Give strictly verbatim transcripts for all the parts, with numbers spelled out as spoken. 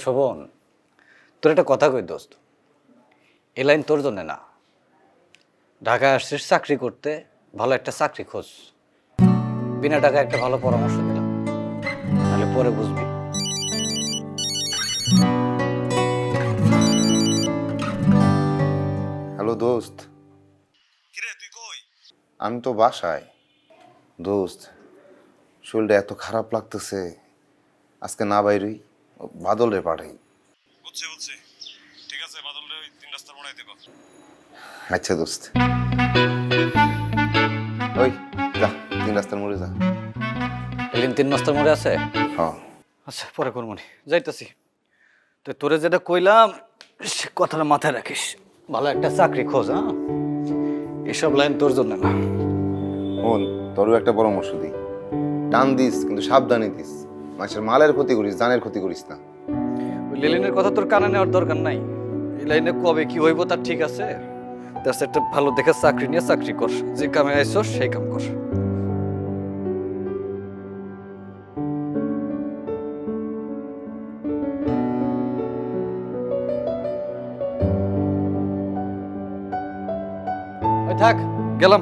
শোভন, তোর একটা কথা কই দোস্ত, এ লাইন তোর জন্য না। ঢাকায় আসছিস চাকরি করতে, ভালো একটা চাকরি খোঁজ। বিনা টাকায় একটা ভালো পরামর্শ দিলাম, তাহলে পরে বুঝবি। হ্যালো দোস্ত। কিরে তুই কই? আমি তো বাসায়। দোস্ত, শরীরটা এত খারাপ লাগতেছে, আজকে না বাইরই, বাদল রে পাঠাই। বুঝছি বুঝছি, ঠিক আছে, বাদল রে ওই তিন রাস্তার মোড়াই দেবো। আচ্ছা দোস্ত, ওই যা তিন রাস্তার মোড়ে যা। এলিন তিন মাস্টার মোড়ে আছে? হ্যাঁ। আচ্ছা, পরে করমনি, যাইতাছি। তো তোরে যেটা কইলাম সে কথাটা মাথায় রাখিস, ভালো একটা চাকরি খোঁজ। হ্যাঁ, এসব লাইন তোর জন্য না। শোন, তোরও একটা পরামর্শ দিই, টান দিস কিন্তু সাবধানে দিস। মানুষের মালের ক্ষতি করিস, জানের ক্ষতি করিস না। ওই লেলিনের কথা তোর কানে নেওয়ার দরকার নাই। এই লাইনে কবে কি হইব তার ঠিক আছে। তার একটা ভালো দেখে চাকরি নিয়ে চাকরি কর, যে কামে আইসো সেই কাম কর। ওই থাক, গেলাম।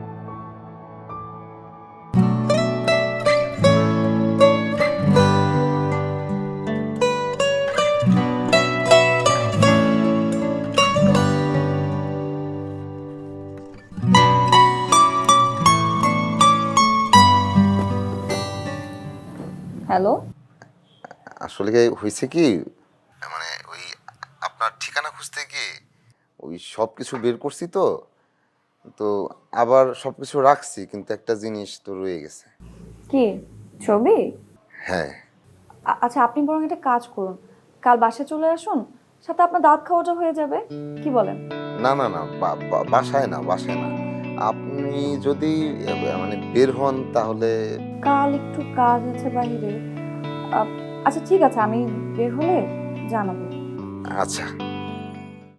হ্যালো, আসলে কি হয়েছে কি, মানে ওই আপনার ঠিকানা খুঁজতে গিয়ে ওই সব কিছু বের করছি তো তো আবার সব কিছু রাখছি, কিন্তু একটা জিনিস তো রয়ে গেছে। কি ছবি? হ্যাঁ। আ- আচ্ছা, আপনি বরং একটা কাজ করুন, কাল বাসায় চলে আসুন, সাথে আপনার দাঁত খাওয়াটা হয়ে যাবে। কি বলেন? না না না, বা- বা- বাসায় না, বাসায় না। আপনি যদি আহ, মানে বের হন তাহলে। কাল একটু কাজ আছে বাইরে। আ, আচ্ছা ঠিক আছে, আমি বের হলে জানাবো। আচ্ছা।